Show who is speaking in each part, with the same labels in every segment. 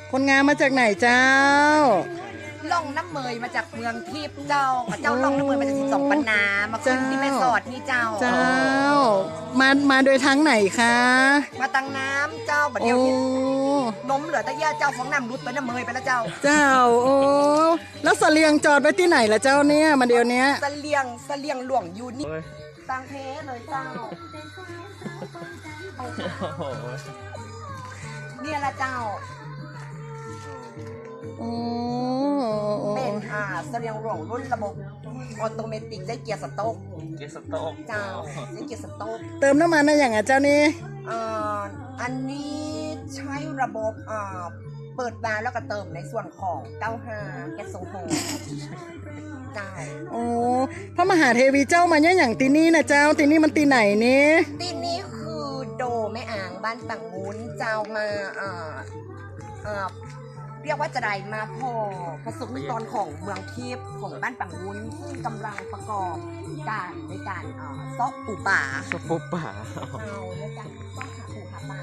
Speaker 1: คนงามมาจากไหนเจ้า
Speaker 2: ล่องน้ำเมยมาจากเมืองทิพย์เจ้าล่องน้ำเมยมาจาก12ปันนามาขึ้นที่แม่สอดนี่เจ้า
Speaker 1: มาโดยทางไหนคะ
Speaker 2: มาตังน้ำเจ้าบัดเดียวนี้ล้มเหลือแต่ย่าเจ้าของน้ำรุดไปน้ำเมยไปแล้วเจ้า
Speaker 1: โอ้แล้วเสลียงจอดไว้ที่ไหนล่ะเจ้าเนี่ยมาเดียวนี้
Speaker 2: เสลียงหลวงอยู่นี่ตังเพเลยเจ้าเนี่ยละเจ้าเป็นเสลียงหลวงรุ่นระบบออโตเมติกได้เกียร์สต๊อกเจ้าได้เกียร์สต๊อก
Speaker 1: เติมน้ำมันได้อย่างไงเจ้านี่
Speaker 2: อันนี้ใช้ระบบเปิดวาล์วแล้วก็เติมในส่วนของ95แก๊สโซฮอล์ใช่
Speaker 1: โอ้พระมหาเทวีเจ้ามาเนี่ยอย่างตีนี่นะเจ้าตีนี่มันตีไหนนี่
Speaker 2: ตีนี้คือโดแม่อ่างบ้านฝั่งงูนเจ้ามาเรียกว่าจะได้มาพอประสบนิกรของเมืองทิพย์ของบ้านฝั่งงูนซึ่งกำลังประกอบการในการซอกปูป่าเอาในการซอกหาปูหาป่า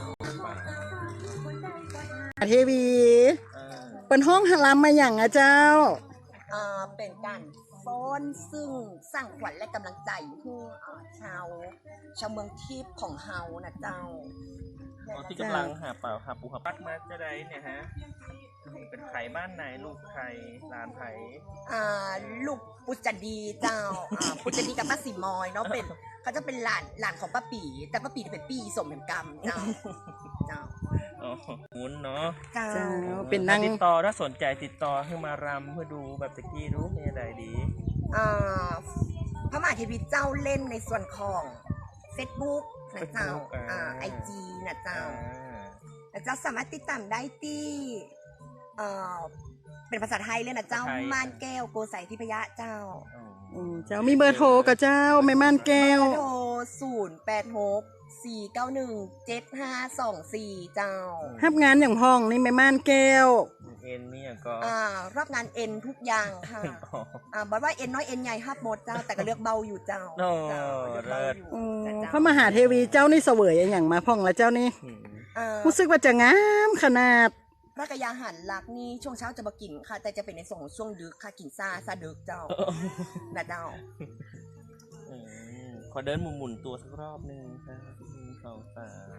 Speaker 1: เทวีเป็นห้องฮารามมาอย่างอะเจ้า
Speaker 2: เป็นการฟ้อนซึ่งสร้างขวัญและกำลังใจให้ชาวเมืองทิพย์ของเฮานะเจ้า
Speaker 3: ที่กำลังหาปูหาปักมาจะได้เนี่ยฮะเป็นไข่บ้านไหนลูกไข่หลานไข่
Speaker 2: ลูกปุจจดีเจ้าปุจจดีกับป้าสีมอยเนาะเป็นเขาจะเป็นหลานของป้าปีแต่ป้าปีเป็นปีสมเป็นกรรมเจ้า
Speaker 3: มุนเนาะ
Speaker 1: เจ้าเป็นนั่ง
Speaker 3: ติดต่อถ้าสนใจติดต่อให้มารำเพื่อดูแบบตะกี้รู้มีอะไรดี
Speaker 2: พระมหาเทวีเจ้าเล่นในส่วนของ Facebook นะเจ้าIG นะเจ้าแล้วเจ้าสามารถติดตามได้ที่เป็นภาษาไทยเลยนะเจ้าม่านแก้วโกสัยทิพยะเจ้า
Speaker 1: เจ้ามีเบอร์โทรกับเจ้าแม่ม่านแก้ว
Speaker 2: เบอร์โทร086-491-7524เจ้า
Speaker 1: รับงานอย่างพ้องนี่แม่ม่านแก้ว
Speaker 3: เอ็นนี่ก็
Speaker 2: รับงานเอ็นทุกอย่างค่ะบอกว่าเอ็นน้อยเอ็นใหญ่ฮับหมดเจ้าแต่ก็เลือกเบาอยู่เจ้า
Speaker 3: เลิศ
Speaker 1: พระมหาเทวีเจ้านี่เสวยอย่างมาพ้องแล้วเจ้านี่รู้สึกว่าจะงามขนาด
Speaker 2: พระกยาหารหลักนี่ช่วงเช้าจะมากินค่ะแต่จะเป็นในส่วนของช่วงดึกค่ะกินซาดึกเจ้านะเจ้า
Speaker 3: ขอเดินหมุนตัวสักรอบนึงค่ะ1 2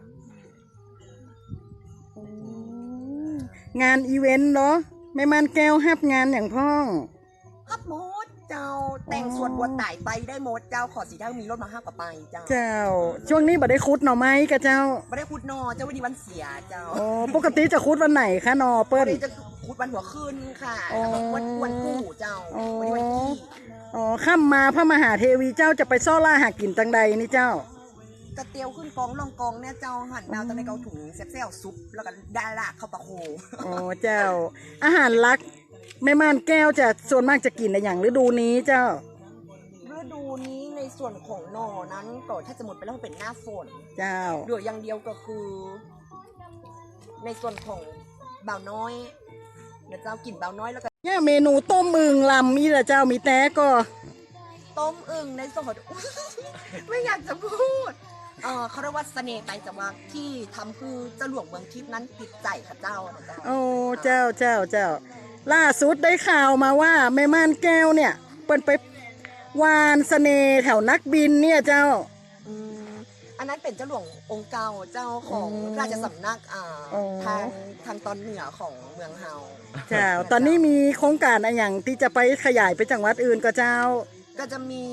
Speaker 1: 3งานอีเวนต์เนาะแม่ม่านแก้วฮับงานอย่างพ้อง
Speaker 2: ฮับหมดเจ้าแต่งส่วนบัวไต่ไปได้หมดเจ้าขอสีเท่ามีรถมาห้ากับไปเจ้า
Speaker 1: ช่วงนี้บ่ได้คุดหน่อไม้กับเจ้า
Speaker 2: บ่ได้คุดนอเจ้าวันนี้วันเสียเจ้า
Speaker 1: ปกติจะคุดวันไหนคะนอเปิ้ล
Speaker 2: จะคุดวันหัวคืนค่ะวันกู้เจ้าวันนี้วันขี้
Speaker 1: ค่ำมาพระมหาเทวีเจ้าจะไปซ่อล่าหากินตังใดนี่เจ้าก
Speaker 2: ระเตียวขึ้นกองล่องกองเนี่ยเจ้าหั่นดาวตะในเกาถุงแซ่บๆซุปแล้วก็ดาลากเข้าปะโค
Speaker 1: เจ้าอาหารลักแม่ม่านแก้วจะส่วนมากจะกินในอย่างฤดูนี้เจ้า
Speaker 2: ฤดูนี้ในส่วนของหน่อนั้นก็ถ้าจะหมดไปแล้วเป็นหน้าฝน
Speaker 1: เจ้า
Speaker 2: เหลืออย่างเดียวก็คือในส่วนของบ่าวน้อยนะเจ้ากินบ่าวน้อยแล้วก็
Speaker 1: เนี่ยเมนูต้มอึ่งลำนี่แหละเจ้ามีแต่ก็
Speaker 2: ต้มอึ่งในส่วนของไม่อยากจะพูดเขาเรียกว่าเสน่ห์ไปจากว่าที่ทำคือเจ้าหลวงเมืองทิพย์นั้นติดใจค่ะเจ้านะเจ้า
Speaker 1: เจ้าล่าสุดได้ข่าวมาว่าแม่ม่านแก้วเนี่ยเปิ้นไปวานเสน่ห์แถวนักบินเนี่ยเจ้า
Speaker 2: อันนั้นเป็นเจ้าหลวงองค์เก่าเจ้าของราชสำนักทางตอนเหนือของเมืองเฮา
Speaker 1: เจ้าตอนนี้มีโครงการอะไรอย่างที่จะไปขยายไปจังหวัดอื่นก็เจ้า
Speaker 2: ก็จะมี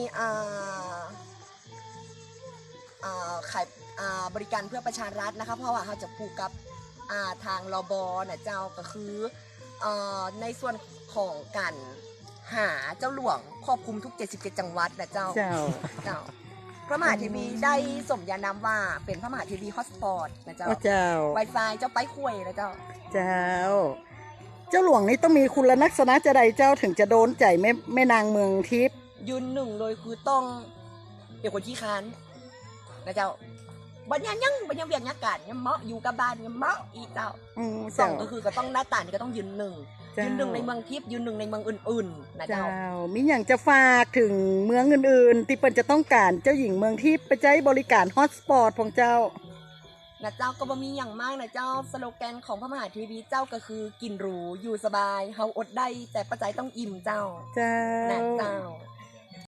Speaker 2: ขายบริการเพื่อประชารัฐนะคะเพราะว่าเขาจะผูกกับทางรบนะเจ้าก็คือในส่วนของการหาเจ้าหลวงครอบคลุมทุก77จังหวัดนะเจ้าพระมหาเทวีได้สมญานามว่าเป็นพระมหาเทวีฮอตสปอตนะเจ้าWi-Fi เจ้าไปคุยนะเจ้า
Speaker 1: เจ้าหลวงนี่ต้องมีคุณลักษณะจะใดเจ้าถึงจะโดนใจแม่นางเมืองทิพย์
Speaker 2: ยืนหนึ่งเลยคือต้องเป็นคนขี้ค้านนะเจ้าบัญญัติยังเวียงยักการยังเมาะอยู่กับบ้านยังเมาะอีเจ้าสองก็คือก็ต้องหน้าตานี่ก็ต้องยืนหนึ่งในเมืองทิพย์ยืนหนึ่งในเมืองอื่นๆนะเจ้า
Speaker 1: มีอย่างจะฝากถึงเมืองอื่นๆที่เปิ้นจะต้องการเจ้าหญิงเมืองทิพย์ไปใช้บริการฮอตสปอตของเจ้า
Speaker 2: นะเจ้าก็บ่มีอย่างมากนะเจ้าสโลแกนของพระมหาเทีวีเจ้าก็คือกินหรูอยู่สบายเฮาอดได้แต่ปัจจัยต้องอิ่มเจ้า
Speaker 1: เจ้า
Speaker 2: นะเจ้า